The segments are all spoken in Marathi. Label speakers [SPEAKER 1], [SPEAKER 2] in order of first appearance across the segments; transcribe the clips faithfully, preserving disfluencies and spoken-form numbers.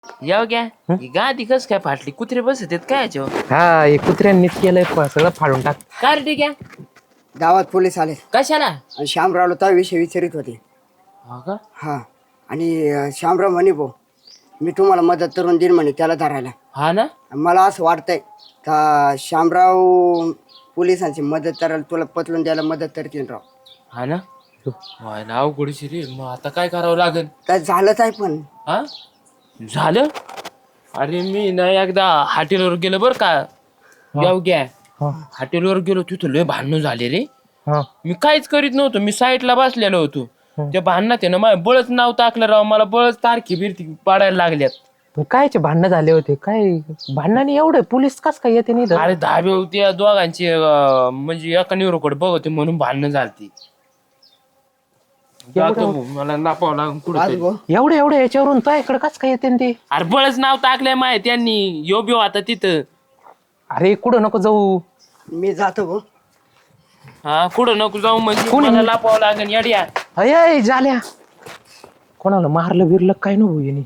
[SPEAKER 1] याव घ्या ही गादी कस काय फाटली कुत्रे बसत आहेत काय याच्यावर
[SPEAKER 2] हा हे कुत्र्यांनीच केलंय प- सगळं फाडून टाक.
[SPEAKER 1] काय रे ठीक आहे
[SPEAKER 3] गावात पोलीस आले
[SPEAKER 1] कशाला
[SPEAKER 3] आणि श्यामरावला त्या विषयी विचारित होते.
[SPEAKER 1] हा का
[SPEAKER 3] हा आणि अं, श्यामराव म्हणे भाऊ मी तुम्हाला मदत करून देईन म्हणे त्याला धरायला.
[SPEAKER 1] हा ना
[SPEAKER 3] मला असं वाटतंय का श्यामराव पोलिसांची मदत करायला तुला पतलून द्यायला मदत करतील राव.
[SPEAKER 1] हा ना हाय ना अवघडशी रे मग आता काय करावं लागेल
[SPEAKER 3] काय झालंच आहे पण
[SPEAKER 1] हा झालं अरे मी ना एकदा हॉटेलवर गेलो बर का याव घ्या हॉटेलवर गेलो तिथं लय भांडणं झाले रे
[SPEAKER 2] हा
[SPEAKER 1] मी काहीच करीत नव्हतो मी साईडला बसलेलो होतो त्या भांडणात आहे ना माझ्या बळच नाव टाकलं राव मला बळच तारखी बिरती पाडायला लागल्यात
[SPEAKER 2] पण कायचे भांडणं झाले होते काय भांडणाने एवढे पोलीस कस काय येते नाही
[SPEAKER 1] अरे धाबे होते दोघांची अं, म्हणजे एका निरोकडे बघते म्हणून भांडणं झालती जातो भाऊ, मला नापावं लागून
[SPEAKER 3] आज
[SPEAKER 1] कुठे
[SPEAKER 3] भाऊ
[SPEAKER 2] एवढे एवढे याच्यावरून तो इकडे कस काय येते ते.
[SPEAKER 1] अरे बळच नाव टाकलंय माय त्यांनी यो बिओ आता तिथं
[SPEAKER 2] अरे कुठं नको जाऊ.
[SPEAKER 3] मी जातो भाऊ.
[SPEAKER 1] हा कुठं नको जाऊ म्हणजे
[SPEAKER 2] कोणी?
[SPEAKER 1] मला लापावं लागेल येड्या
[SPEAKER 2] अय झाल्या कोणाला मारलं बिरलं काय नको येणे.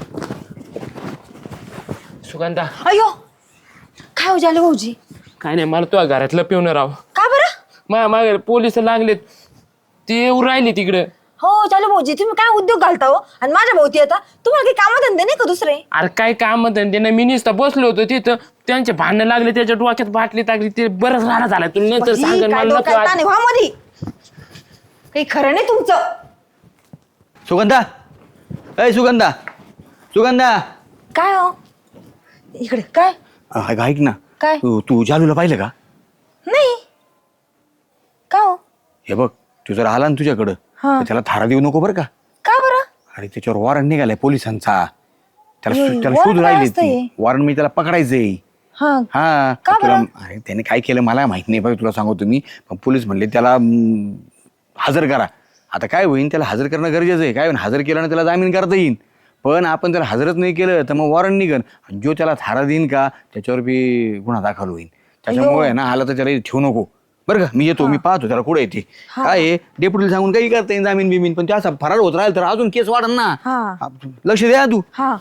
[SPEAKER 1] सुगंधा
[SPEAKER 4] अयो काय हो झालं भाऊजी
[SPEAKER 1] काय नाही मला तुझ्या घरातलं पिवणं राव
[SPEAKER 4] का बरं
[SPEAKER 1] माझ्या मागे पोलिस लागलेत ते येऊ राहिले तिकडे
[SPEAKER 4] हो झालं भाऊजी तुम्ही काय उद्योग घालता हो आणि माझ्या भाऊती आता तुम्हाला काही काम धंदे नाही का दुसरे
[SPEAKER 1] अरे काय काम त्यांना मी नुसतं बसलो होतो तिथं त्यांचे भांडणं लागले त्याच्या डोक्यात बाटली टाकली ते बरंच राडा झाला तुला नंतर
[SPEAKER 4] बाई,
[SPEAKER 1] सांगेन
[SPEAKER 4] काय
[SPEAKER 1] मला नको
[SPEAKER 4] डोक्यात ताण
[SPEAKER 1] आज.
[SPEAKER 4] आहे, व्हा मधी काही खरं नाही तुमचं
[SPEAKER 5] सुगंधा अय सुगंधा सुगंधा
[SPEAKER 4] काय हो इकडे काय
[SPEAKER 5] अ, ऐक ना
[SPEAKER 4] काय
[SPEAKER 5] तू तू जालूला पाहिलं का?
[SPEAKER 4] नाही का हो
[SPEAKER 5] हे बघ तू जर आला ना तुझ्याकडं
[SPEAKER 4] हा.
[SPEAKER 5] तर त्याला थारा देऊ नको बरं का.
[SPEAKER 4] का बरं
[SPEAKER 5] अरे त्याच्यावर वॉरंट निघालाय पोलिसांचा त्याला
[SPEAKER 4] हे,
[SPEAKER 5] शो- त्याला
[SPEAKER 4] वॉरंट
[SPEAKER 5] शोध
[SPEAKER 4] काय
[SPEAKER 5] राहिली
[SPEAKER 4] असतं हे?
[SPEAKER 5] ती वॉरंट मी त्याला पकडायचंय.
[SPEAKER 4] हा
[SPEAKER 5] हा
[SPEAKER 4] का
[SPEAKER 5] तुला
[SPEAKER 4] बरं?
[SPEAKER 5] अरे त्याने काय केलं मला माहित नाही बघ तुला सांगतो मी पण पोलीस म्हणले त्याला हम्म, हजर करा. आता काय होईल त्याला हजर करणं गरजेचं आहे काय होईल हजर केलं ना त्याला जामीन करता येईल पण आपण त्याला हजरच नाही केलं तर मग वॉरंट निघन जो त्याला थारा देईन का त्याच्यावर बी गुन्हा दाखल होईल त्याच्यामुळे ना आला तर त्याला ठेवू नको बरं का मी येतो मी पाहतो त्याला कुठे येते काय आहे डेप्युटीला सांगून काही करता येईल जामीन बिमीन पण त्या फरार होत राहील तर अजून केस वाढन ना
[SPEAKER 4] हा.
[SPEAKER 5] लक्ष द्या तू.
[SPEAKER 4] हा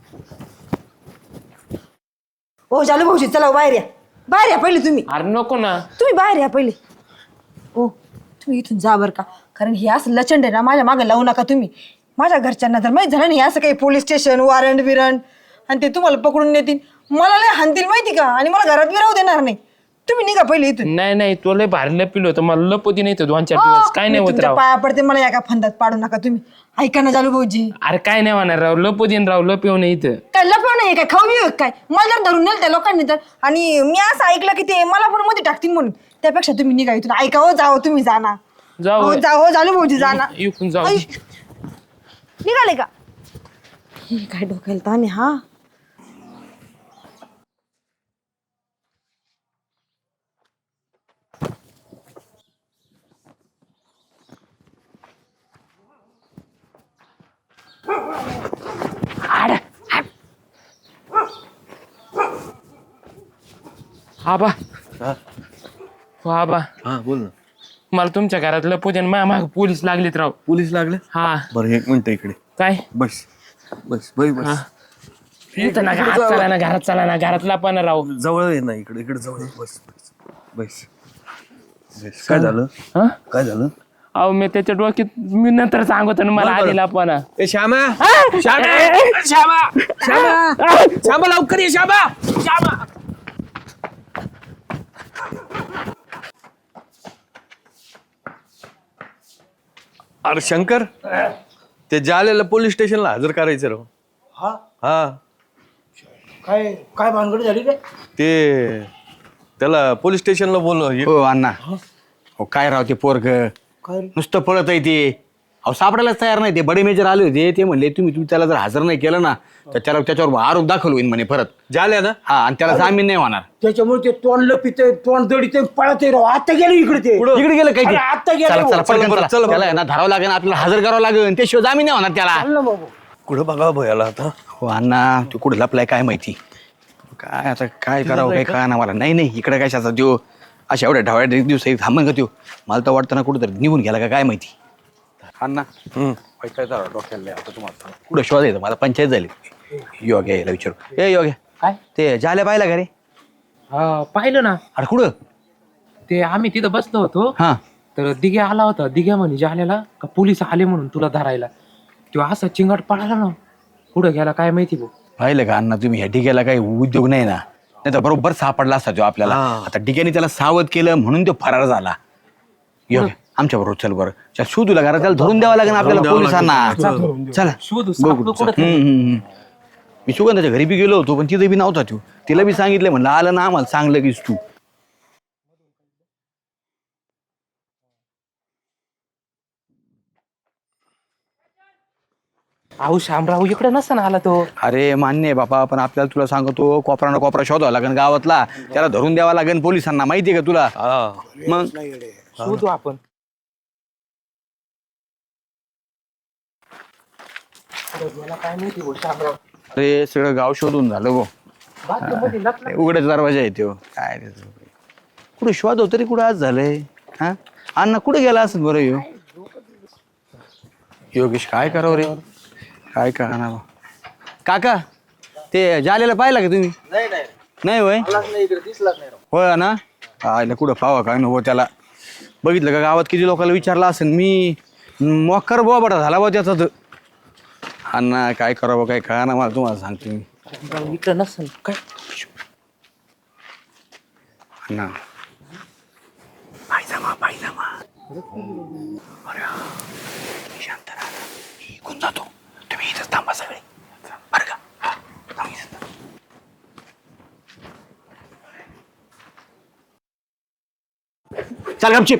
[SPEAKER 4] हो झालं भाऊजी चला बाहेर या बाहेर या पहिले तुम्ही
[SPEAKER 1] अरे नको ना
[SPEAKER 4] तुम्ही बाहेर या पहिले ओ तुम्ही इथून जा बरं का कारण हे असं लचंड आहे ना माझ्या मागे लावू नका तुम्ही माझ्या घरच्यांना जर माहित झालं नाही असं काही पोलीस स्टेशन वॉरंट बिरंट आणि ते तुम्हाला पकडून नेतील मला लय हाणतील माहिती का आणि मला घरात बी राहू देणार नाही तुम्ही निघा पहिले इथून
[SPEAKER 1] नाही नाही तो लय भारी लपिलो होतं मला लपती नाही तर दोन चार दिवस काय नाही
[SPEAKER 4] मी
[SPEAKER 1] होत
[SPEAKER 4] तुमच्या
[SPEAKER 1] राव
[SPEAKER 4] पाया पडते मला एका फंदात पाडू नका तुम्ही ऐका ना जालू भाऊजी
[SPEAKER 1] अरे काय नाही होणार राव लपतीन राव लपिव नाही इथं
[SPEAKER 4] काय लपव नाही काय खाऊ बी काय मला जर धरून नेल त्या लोकांनी तर आणि मी असं ऐकलं की ते मला पण मध्ये टाकतील म्हणून त्यापेक्षा तुम्ही निघा इथून ऐका हो जाओ तुम्ही जाना
[SPEAKER 1] जाऊ
[SPEAKER 4] हो जाओ जालू भाऊजी जाना
[SPEAKER 1] इकून जाऊ
[SPEAKER 4] ऐ, निघाले का हे काय डोक्याला ताण आहे हा
[SPEAKER 1] आबा हो आबा
[SPEAKER 6] हा बोल ना
[SPEAKER 1] मला तुमच्या घरात लपवते आणि माझ्या मागे पोलीस लागलेत राव
[SPEAKER 6] पोलीस लागले
[SPEAKER 1] हा
[SPEAKER 6] बरं एक मिनिट इकडे
[SPEAKER 1] काय
[SPEAKER 6] बस बस बस
[SPEAKER 1] हा.
[SPEAKER 6] बस
[SPEAKER 1] इथं ना घरात चला ना घरात चला ना घरात लपा राव
[SPEAKER 6] जवळ आहे ना इकडे इकडे जवळ आहे. बस बस बस बस काय झालं
[SPEAKER 1] हा
[SPEAKER 6] काय झालं
[SPEAKER 1] अहो मी त्याच्या डोक्यात मी नंतर सांगतो ना मला आधी लपवाना
[SPEAKER 6] ए श्यामा श्यामा श्यामा श्यामा श्यामा लवकर ये श्यामा श्यामा अरे शंकर ते जालेला पोलीस स्टेशनला हजर करायचं राव
[SPEAKER 7] हा
[SPEAKER 6] हा
[SPEAKER 7] काय काय भानगड झाली रे
[SPEAKER 6] ते त्याला पोलीस स्टेशनला बोल
[SPEAKER 5] हो अण्णा हो काय राव ते पोरग
[SPEAKER 7] काय रे
[SPEAKER 5] नुसतं पळत आहे ते अहो सापडायलाच तयार नाही ते बडे मेजर आले होते ते म्हणले तुम्ही तुम्ही त्याला जर हजर नाही केलं ना तर त्याला त्याच्यावर आरोप दाखल होईल म्हणे परत
[SPEAKER 6] जाल्या ना
[SPEAKER 5] हा आणि त्याला जामीन नाही होणार
[SPEAKER 7] त्याच्यामुळे ते तोंड लपिते तोंड दडीते पळत राव आता गेलो इकडे ते
[SPEAKER 5] इकडे गेलं काय ते?
[SPEAKER 7] अरे, आता गेलं
[SPEAKER 5] चला,
[SPEAKER 7] हो.
[SPEAKER 5] चला, पटकन
[SPEAKER 6] बरं,
[SPEAKER 5] चला.
[SPEAKER 6] चला बरं.
[SPEAKER 5] त्याला आहे ना धरावं लागेल आपल्याला हजर करावं लागेल त्याशिवाय जामीन नाही होणार त्याला
[SPEAKER 7] चाललं बाबू
[SPEAKER 6] कुठं बघा भयाला आता
[SPEAKER 5] हो अण्णा तू कुठे लपलाय काय माहिती काय आता काय करावं काय काय ना मला नाही नाही इकडे काय शाचा देऊ अशा एवढ्या ढावळ्या दिवस थांबन का देऊ मला तर वाटतं ना कुठं निघून गेला का काय माहिती अण्णा
[SPEAKER 6] हम्म
[SPEAKER 5] काय झालं डोक्याला आता तुम्हाला कुठं शोधायचं मला पंचायत झाली योग्य याला विचारू. ए योग्य
[SPEAKER 2] काय
[SPEAKER 5] ते झाल्या पाहिला का रे?
[SPEAKER 2] हा पाहिलं ना
[SPEAKER 5] अरे कुठं?
[SPEAKER 2] ते आम्ही तिथं बसलो होतो
[SPEAKER 5] हा
[SPEAKER 2] तर दिघ्या आला होता. दिघ्या म्हणे जाल्याला का पोलीस आले म्हणून तुला धरायला. तो असा चिंगाट पळाला ना, पुढं गेला काय माहिती भाऊ.
[SPEAKER 5] पाहिलं का अण्णा तुम्ही ह्या डिग्याला काही उद्योग नाही ना, नाही तर बरोबर सापडला असता तो आपल्याला. आता डिग्याने त्याला सावध केलं म्हणून तो फरार झाला. योग्य आमच्या बरोबर चल बरं. चल शोधू लागा, त्याला धरून द्यावं लागेल आपल्याला पोलिसांना. चला
[SPEAKER 2] शोधू
[SPEAKER 5] बघू. हम्म, हम्म, हम्म. मी सुगंधाच्या घरी बी गेलो होतो पण तिथे बी नव्हता तू. तिला बी सांगितलं म्हणलं आलं ना आम्हाला चांगलं कीस तू.
[SPEAKER 2] अहो शामराव इकडे नसताना आला तो.
[SPEAKER 5] अरे मान्य आहे बापा, पण आपल्याला तुला सांगतो कोपरा ना कोपरा शोधावा लागेल गावातला. त्याला धरून द्यावा लागेल पोलिसांना. माहितीये का तुला? मग
[SPEAKER 2] शोधू आपण. काय माहिती भाऊ शामराव.
[SPEAKER 5] अरे सगळं गाव शोधून झालं गो.
[SPEAKER 2] बाथरूममध्ये लपला.
[SPEAKER 5] उघड्याच दरवाजा आहे तो. काय रे तो. कुठे शोध तरी कुठं आज झालंय? हा अण्णा कुठे गेला असं बरं यो योगेश काय करावं रे, काय कळणार काका. ते जालेला पाहिला का तुम्ही? नाही होय होय ना. आयला कुठं पावा काय नको त्याला. बघितलं का गावात किती लोकांना विचारलं असेल. मी मोकर बोबाटा झाला बा त्याचा. तर अण्णा काय करावं काय कळणार मला, तुम्हाला सांगतो मी.
[SPEAKER 2] इकडे नसेल काय.
[SPEAKER 5] अण्णा पायजामा पायजामा. अरे शांत राहा, मी इकडून जातो. तुम्ही इथंच थांबा सगळे बरं का. हा, थांब इथं. चल गपचिप.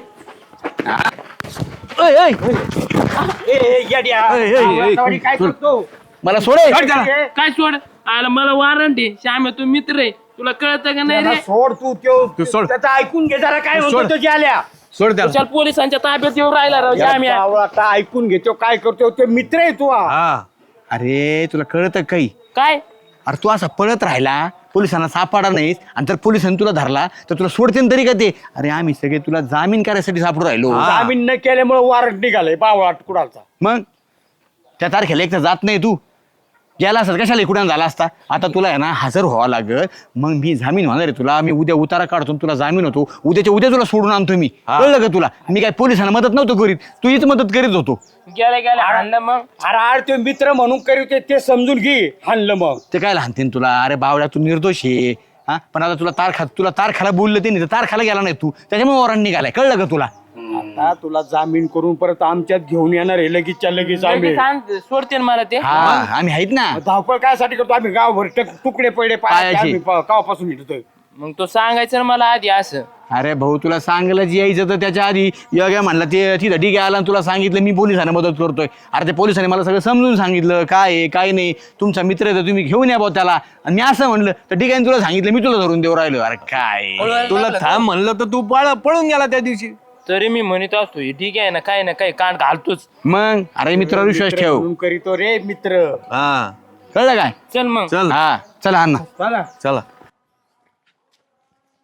[SPEAKER 7] काय करतो?
[SPEAKER 5] मला सोडे.
[SPEAKER 1] काय सोड आला मला वॉरंट आहे. श्याम तू मित्र आहे, तुला कळतं का नाही रे?
[SPEAKER 7] सोड तू त्यो
[SPEAKER 5] सोड.
[SPEAKER 7] त्याचं ऐकून घे जरा काय म्हणतो तो जाल्या.
[SPEAKER 5] सोड त्याला.
[SPEAKER 1] चल पोलिसांच्या ताब्यात येऊन राहिला राव श्याम्या.
[SPEAKER 7] आता ऐकून घेतो काय करतो. ते मित्र आहे तू.
[SPEAKER 5] हा अरे तुला कळतं काही?
[SPEAKER 1] काय
[SPEAKER 5] अरे तू असा पळत राहिला, पोलिसांना सापडा नाहीस आणि जर पोलिसांनी तुला धरला तर तुला सोडते तरी का ते? अरे आम्ही सगळे तुला जामीन करायसाठी सापडू राहिलो.
[SPEAKER 7] जामीन न केल्यामुळे वॉरंट निघालंय बावळाट कुडालचा.
[SPEAKER 5] मग त्या तारखेला एक तर जात नाही तू. गेला असत कशाला इकडून झाला असता. आता तुला आहे ना हजर व्हावं लागल. मग मी जामीन होणार आहे तुला. मी उद्या उतारा काढतो, तुला जामीन होतो. उद्याच्या उद्या तुला सोडून आणतो मी. कळलं का तुला? मी काय पोलिसांना मदत नव्हतो करीत, तू हीच मदत करीत होतो.
[SPEAKER 1] गेल्या गेल्या हाणलं मग.
[SPEAKER 7] अरे आड ते मित्र म्हणून करीत ते समजून घे. हाणलं मग
[SPEAKER 5] ते काय लहानतीन तुला. अरे बावड्या तू निर्दोष आहे. हा पण आता तुला तारखा तुला तारखाला बोललं ते नाही तर तारखाला गेला नाही तू, त्याच्यामुळे वॉरंट निघालाय. कळलं का तुला?
[SPEAKER 7] आता तुला जामीन करून परत आमच्यात घेऊन येणार आहे लगेचच्या लगेच आम्ही.
[SPEAKER 1] लगेच आण- सोडते ना मला ते.
[SPEAKER 5] हा आम्ही आहेत ना.
[SPEAKER 7] धावपळ कायसाठी करतो आम्ही? गावभर टक- तुकडे पडे
[SPEAKER 5] पायाचे.
[SPEAKER 7] आम्ही प- गावापासून येतोय.
[SPEAKER 1] मग तो सांगायचं ना मला आधी असं.
[SPEAKER 5] अरे भाऊ तुला सांगलं यायचं तर त्याच्या आधी योग्य म्हणला ते तिथं ठीक आहे आला आणि तुला सांगितलं मी पोलिसांना मदत करतोय. अरे ते पोलिसांनी मला सगळं समजून सांगितलं काय आहे काय नाही. तुमचा मित्र आहे तर तुम्ही घेऊन या भाऊ त्याला. आणि मी असं म्हणलं तर ठीक आहे तुला सांगितलं मी तुला धरून देऊ राहिलो. अरे काय
[SPEAKER 6] तुला थांब म्हणलं तर तू पळ पळून गेला त्या दिवशी.
[SPEAKER 1] तरी मी म्हणत असतो हे ठीक आहे ना, काय ना काय कान घालतोच.
[SPEAKER 5] मग अरे मित्रावर विश्वास ठेव.
[SPEAKER 7] म्हणून करीतो रे मित्र.
[SPEAKER 6] हा
[SPEAKER 5] कळलं काय?
[SPEAKER 1] चल मग.
[SPEAKER 6] चल
[SPEAKER 5] हा चला अण्णा.
[SPEAKER 7] चला
[SPEAKER 6] चला.